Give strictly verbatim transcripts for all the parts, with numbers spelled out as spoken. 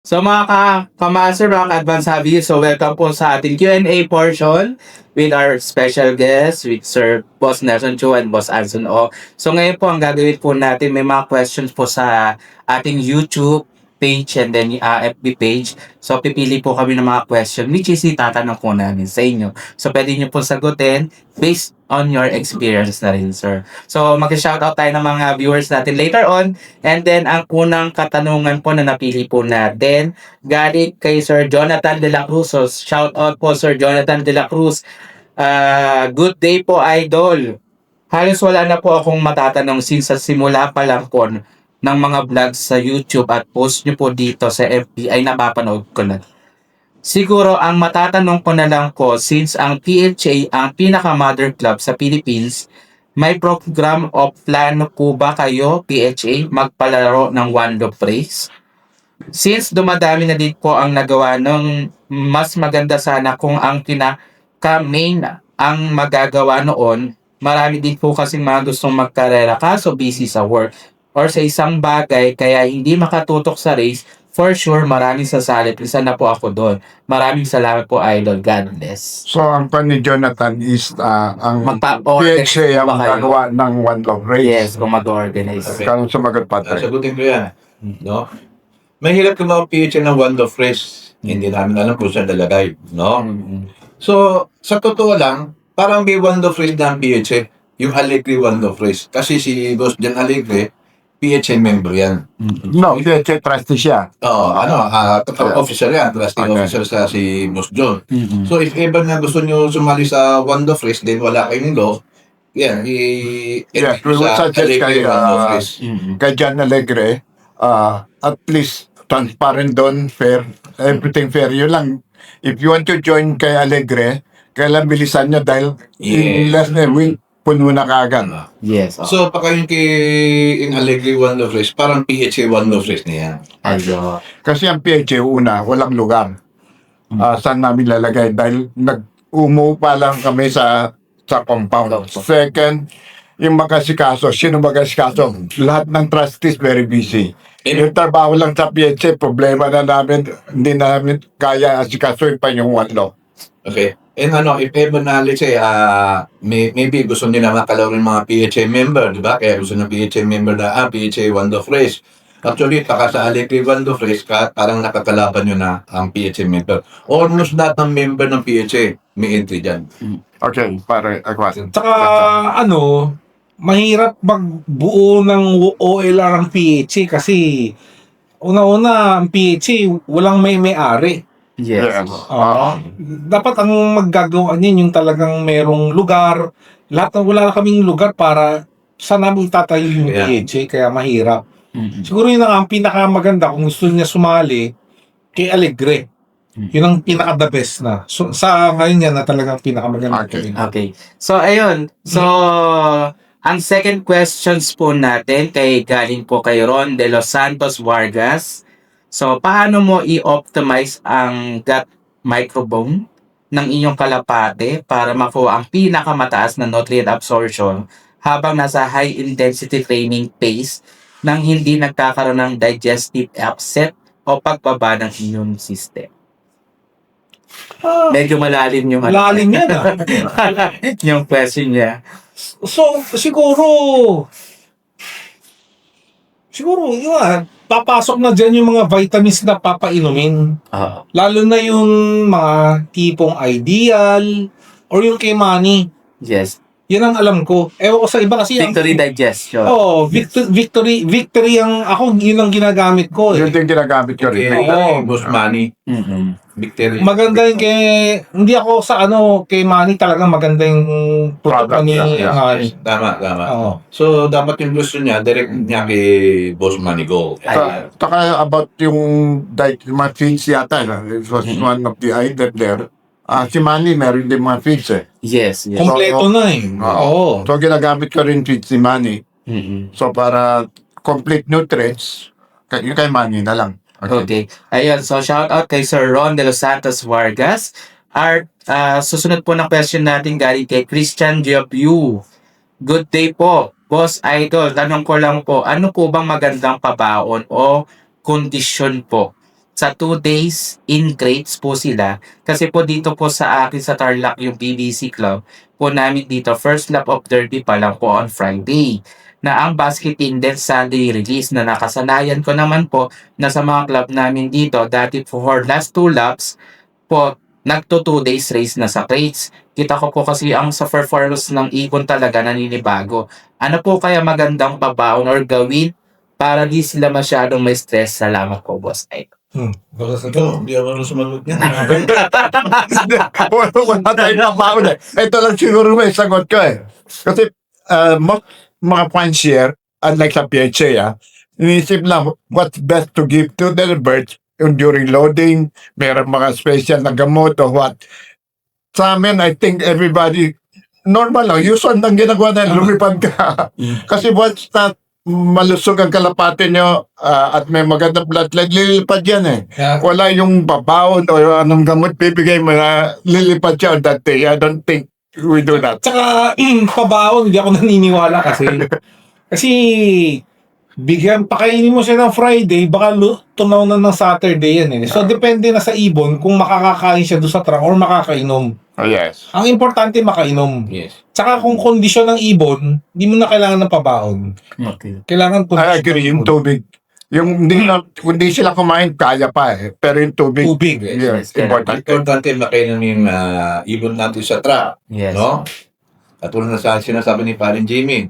So mga ka kamaster, mga ka-advance hobby, so welcome po sa ating Q and A portion with our special guest, with Sir Boss Nelson Chu and Boss Anson O. So ngayon po, ang gagawin po natin, may mga questions po sa ating YouTube page and then uh, F B page. So pipili po kami ng mga question which is itatanong po namin sa inyo. So pwede nyo po sagutin based on your experience na rin, sir. So mag-shoutout tayo ng mga viewers natin later on. And then, ang unang katanungan po na napili po natin, galing kay Sir Jonathan De La Cruz. So, shout out po Sir Jonathan De La Cruz. Ah, good day po, idol. Halos wala na po akong matatanong since sa simula pa lang po ng mga vlogs sa YouTube at post nyo po dito sa F B ay napapanood ko na. Siguro ang matatanong ko na lang po, since ang P H A ang pinaka-mother club sa Philippines, may program o plano po ba kayo, P H A, magpalaro ng One Love Race? Since dumadami na din po ang nagawa ng mas maganda sana kung ang pinaka-main ang magagawa noon, marami din po kasing mga gustong magkarera kaso busy sa work or sa isang bagay kaya hindi makatutok sa race. For sure, maraming sasali. Isa na po ako doon. Maraming salamat po, Idol. God bless. So, ang pan ni Jonathan is uh, ang Magpa- P H A ang ba kayo? gagawa ng One Love Race. Yes, kung mag-organize. Okay. Kano sumagot pa Ah, tayo? sagutin ko yan. No? Mahirap kung mag-P H ng One Love Race. Hindi namin alam kung saan nalagay. No? Mm-mm. So, sa totoo lang, parang may One Love Race na ang P H A. Yung Allegri One Love Race. Kasi si Boss Jan Allegri, P H A member yan. No, P H A trustee siya. Oo, ano, uh, officer yan. Trusting Okay. officer sa si Boss John. Mm-mm. So, if ever na gusto nyo sumali sa One Love Race, then wala kayong law, yan, i- Yes, we would sa suggest Allegri kay, One Love uh, Race. Mm-mm. Kay John Alegre, uh, at least transparent doon, fair, everything fair. Yun lang, if you want to join kay Alegre, kailan bilisan nyo dahil in Yes. less than a week, puno na kaagad. Yes. Oh. So, pagka yung kay in Allegri One Love Race, parang P H A One Love Race na yan. Ayun. Kasi ang P H A, una, walang lugar. Ah, saan namin lalagay? Dahil nag-umu pa lang kami sa sa compound. Second, yung mag-asikaso. Sino mag-asikaso? Lahat ng trustees very busy. Yung trabaho lang sa P H A, problema na namin, hindi namin kaya asikaso pa yung one law. Okay? And ano, if ever na, let's say, ah, may, maybe gusto nila makalaw rin mga P H A member, di ba? Kaya gusto ng P H A member na, ah, P H A One Love Race. Actually, taka sa Allegri One Love Race, ka, parang nakakalaban nyo na ang P H A member. Almost lahat ng member ng P H A may entry dyan. Okay, pare, Aquasin. Tsaka ano, mahirap magbuo ng O L R ang P H A kasi una-una ang P H A walang may-may-ari. Yes. Oo. Dapat ang maggagawa niyan yung talagang merong lugar. Lahat ng wala na kaming lugar para saan namin tatayo yung Yeah. P H A kaya mahirap. Mm-mm. Siguro yun ang pinakamaganda kung gusto niya sumali kay Alegre. Yun ang pinaka-the best na. So, sa ngayon yan na talagang pinakamaganda. Okay. Okay. So, ayun. So, ang second questions po natin kay galing po kay Ron de Los Santos Vargas. So, paano mo i-optimize ang gut microbiome ng inyong kalapate para makuha ang pinakamataas na nutrient absorption habang nasa high intensity training pace nang hindi nagkakaroon ng digestive upset o pagbaba ng immune system? Ah, Medyo malalim yung ano. malalim yan ah. yung question niya. So, siguro, siguro, yun ah, papasok na dyan yung mga vitamins na papainumin. Oo. Lalo na yung mga tipong ideal or yung kay Manny. Yes. Yan ang alam ko. Ewan ko sa iba kasi ang- Victory digestion. Oo, victory, victory, victory ang ako, yun ang ginagamit ko Yun eh. din ginagamit ko Okay, rin. Oo. Boss Manny, Mm-mm. Victory. Maganda yung kay, hindi ako sa ano, kay Manny talagang maganda yung product Product, ni yeah, yeah. Manny. Tama, tama. Oo. So, dapat yung gusto niya, direct niya kay Boss Manny Go. Ayun. Ta- Taka about yung diet, yung mga feeds yata, no? It was Mhm. one of the item there. Ah, si Manny meron din mga feeds eh. Yes, yes. Kompleto na eh. Oo. So ginagamit ko rin feeds si Manny. Mm-mm. So para complete nutrients, kay, yung kay Manny na lang. Okay. Ayun, so shout out kay Sir Ron de Los Santos Vargas. Our ah, susunod po ng question natin galing kay Christian Giabu. Good day po, Boss Idol. Tanong ko lang po, ano po bang magandang pabaon o kondisyon po sa two days in crates po sila. Kasi po dito po sa akin sa Tarlac yung B B C Club po namin dito, first lap of derby pa lang po on Friday. Na ang basketing din Sunday release na nakasanayan ko naman po na sa mga club namin dito, dati po for last two laps po, nagto two days race na sa crates. Kita ko po kasi ang sa performance ng ibon talaga naninibago. Ano po kaya magandang pabaon or gawin para di sila masyadong may stress? Salamat po, boss. Ay. Hmm. Ito, hindi ako sumagot niya. wala, wala tayong nabaon eh. Ito lang siguro may sagot ko eh. Kasi uh, most mga fancier, unlike sa P H A, ah, inisip lang what's best to give to the birds yung during loading, meron mga special na gamot o what. Sa amin, I think everybody, normal lang, usual lang ginagawa na lumipad ka. Kasi once na malusog ang kalapate nyo ah, at may magandang bloodline, lilipad yan eh. Kaya, Wala yung babaon o anong gamot bibigay mo na lilipad siya on that day. I don't think we do that. tsaka, pabaon, hindi ako naniniwala kasi. Kasi, bigyan, pakainin mo siya ng Friday, baka lu- tunaw na ng Saturday yan eh. So, depende na sa ibon kung makakakain siya doon sa truck or makakainom. Oh, yes. Ang importante, makainom. Yes. Tsaka kung kondisyon ng ibon, hindi mo na kailangan ng pabaon. Okay. Kailangan kondisyon I agree, yung ng ibon. tubig. Yung hindi, na, hindi sila kumain, kaya pa eh. Pero yung tubig, Tubig. yes, yes, important. Importante makainan yung uh, ibon natin sa truck. Yes. No? Katulad na sa sinasabi ni Parin Jimmy,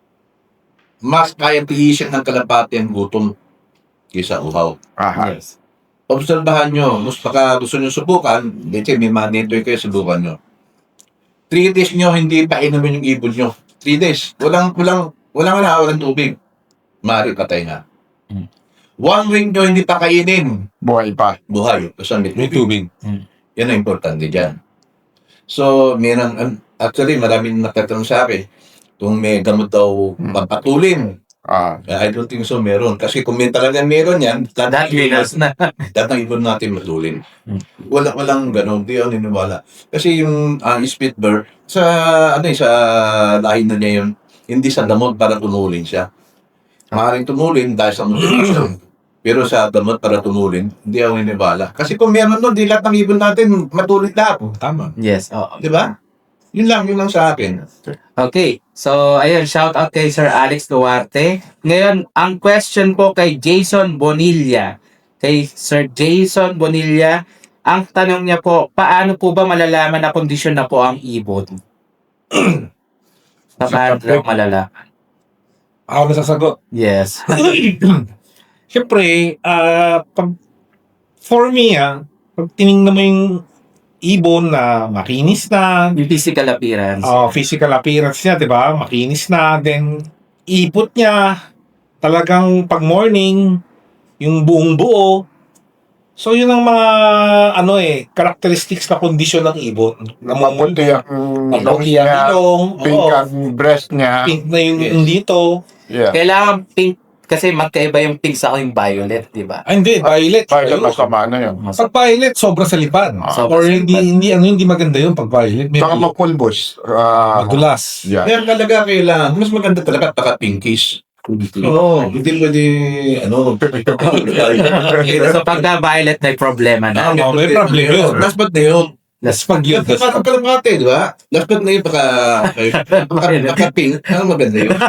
mas kaya tiisin ng kalapati ang gutom kaysa uhaw. Aha. Yes. Obserbahan nyo, mas baka gusto nyo subukan, dito may manitoy kayo, subukan nyo. Three days nyo, hindi pa inumin yung ibon nyo. Three days. Walang, walang, walang na, walang tubig. Mari, patay na. Hmm. One week nyo, hindi pa kainin. Buhay pa. Buhay. Kasi may May tubig. tubig. Yan ang importante dyan. So, meron, um, actually, maraming nagtatanong sa akin, kung may gamot daw papatulin. Ah, I don't think so, meron. Kasi kung may talagang meron yan, That lahat ng ibon winners na. lahat ng ibon natin matulin. Hmm. Wala, walang ganun. Di ako niniwala. Kasi yung uh, Spitbird, sa, ano eh, sa lahi na niya yun, hindi sa damot para tumulin siya. Maaaring tumulin dahil sa motivation. Pero sa damot para tumulin, hindi ako niniwala. Kasi kung meron nun, di lahat ng ibon natin matulin lahat. Oh, tama. Yes. Oo. Di ba? Yun lang, yun lang sa akin. Okay. So, ayun, shout out kay Sir Alex Duarte. Ngayon, ang question po kay Jason Bonilla. Kay Sir Jason Bonilla, ang tanong niya po, paano po ba malalaman na kondisyon na po ang ibon? Paano daw malalaman? Ako na sasagot. Yes. Siyempre, ah, pag, for me, ah, pag tinignan mo yung ibon na makinis na, Yung physical appearance. oh, physical appearance niya, di ba? Makinis na, then ipot niya, talagang pag morning, yung buong buo. So, yun ang mga, ano eh, characteristics na kondisyon ng ibon. Na maputi ang lungs maputi ang niya, ilong, pink oo, ang breast niya. pink na yung Yes. yung dito. Yeah. Kailangan pink, kasi magkaiba yung pink sa yung violet, di ba? Ah, hindi, violet. Violet Ayun. masama na yun. Pag violet, sobra sa lipan. Ah. Sobra Or sa hindi, lipan. hindi, ano, hindi maganda yun pag violet. Maybe Saka mapulbos. Ah, madulas. yeah. Kaya talaga kailangan, mas maganda talaga taka pinkish. Oo, hindi pwede, ano, So, pagka violet, may problema na. Tama, may problema yun. Last but na yun. Last pag yun. Last but kalapate, di ba? Last but na yun, baka, baka, baka pink. Ano maganda yun?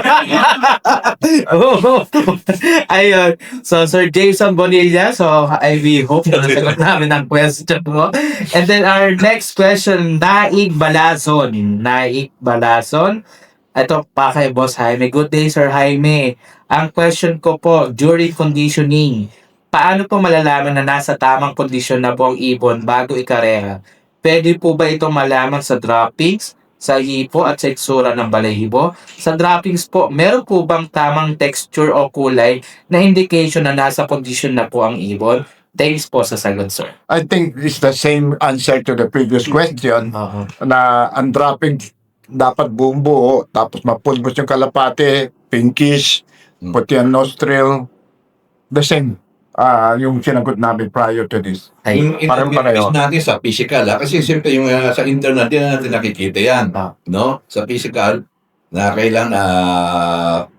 Oo. Ayun. So, Sir Jason Bonilla. So, I we hope na nasagot namin ang question mo. And then, our next question, Naig Balason. Naig Balason. Ito pa kay Boss Jaime. Good day, Sir Jaime. Ang question ko po, during conditioning, paano po malalaman na nasa tamang kondisyon na po ang ibon bago ikareha? Pwede po ba ito malaman sa droppings, sa hipo at sa itsura ng balahibo? Sa droppings po, meron po bang tamang texture o kulay na indication na nasa kondisyon na po ang ibon? Thanks po sa sagot, sir. I think it's the same answer to the previous question Oo. na ang dropping dapat buong buo, tapos mapulbos yung kalapate, pinkish, Hmm. puti ang nostril, the same. Ah, yung sinagot namin prior to this. Ay, Yung parang interview pareho. natin sa physical, ha? Kasi siyempre yung uh, sa internet, di na natin nakikita yan. Ah. No? Sa physical, na kailangan, ah,